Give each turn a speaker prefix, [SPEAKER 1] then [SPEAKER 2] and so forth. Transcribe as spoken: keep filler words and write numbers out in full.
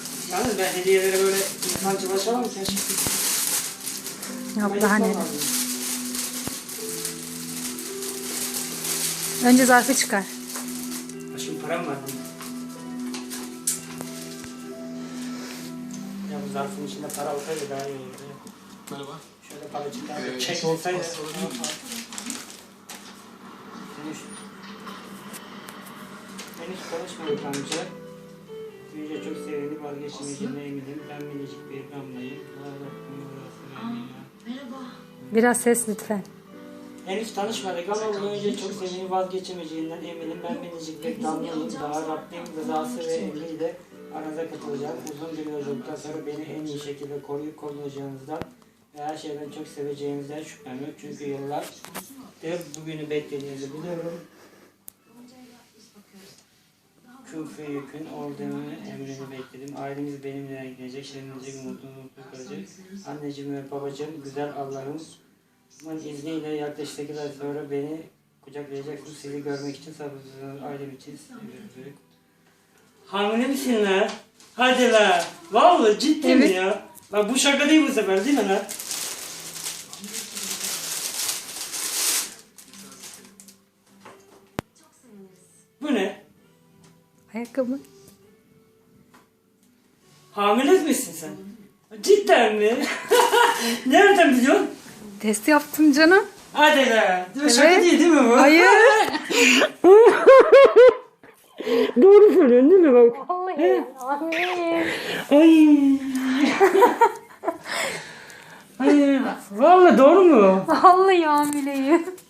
[SPEAKER 1] Yalnız ben hediyelere böyle insancılaşamam mı keşke?
[SPEAKER 2] Yok daha neler. Önce zarfı çıkar.
[SPEAKER 1] Şimdi param var bunun. Ya bu zarfın içinde para olsaydı daha iyi olurdu.
[SPEAKER 3] Merhaba.
[SPEAKER 1] Şöyle paracıklar
[SPEAKER 3] Ee,
[SPEAKER 1] çek
[SPEAKER 3] şey,
[SPEAKER 1] olsaydı.
[SPEAKER 3] pasta olabilir mi?
[SPEAKER 1] Henüz, henüz konuşmadık amca. Büyüce çok sevinip vazgeçmeyeceğine eminim. Ben minicik bir damlayım.
[SPEAKER 4] Merhaba.
[SPEAKER 2] Biraz ses lütfen.
[SPEAKER 1] Henüz tanışmadık ama bunu önce çok sevinip vazgeçemeyeceğinden eminim. Ben minicik bir damlayım. Daha Rabbim rızası ve emriyle aranıza katılacağım. Uzun bir yolculuktan sonra beni en iyi şekilde koruyup kollayacağınızdan ve her şeyden çok seveceğinizden şüphem yok. Çünkü yıllardır bugünü beklediğinizi biliyorum. Küfü yükün olduğunu emrini bekledim. Ailemiz benimle gidecek, şenlenecek, mutlu mutlu kalacak. Anneciğim ve babacığım, güzel Allah'ımın izniyle yaklaşık sekiz ay sonra beni kucaklayacaksınız. Sizi görmek için sabırsızlanıyorum. Ailem için seviyorum. Hamile misin lan? Hadi lan. Vallahi ciddi
[SPEAKER 2] Evet.
[SPEAKER 1] mi ya? Bak bu şaka değil bu sefer değil mi lan? Bu ne?
[SPEAKER 2] Ayakkabı.
[SPEAKER 1] Hamile misin sen? Cidden mi? Nereden biliyorsun?
[SPEAKER 2] Test yaptım canım.
[SPEAKER 1] Hadi lan. Şaka
[SPEAKER 2] Evet.
[SPEAKER 1] değil değil mi bu?
[SPEAKER 2] Hayır.
[SPEAKER 1] Doğru söylüyorsun değil mi bak?
[SPEAKER 2] Vallahi. Amin.
[SPEAKER 1] Ay. Ay. Vallahi doğru mu?
[SPEAKER 2] Vallahi hamileyim.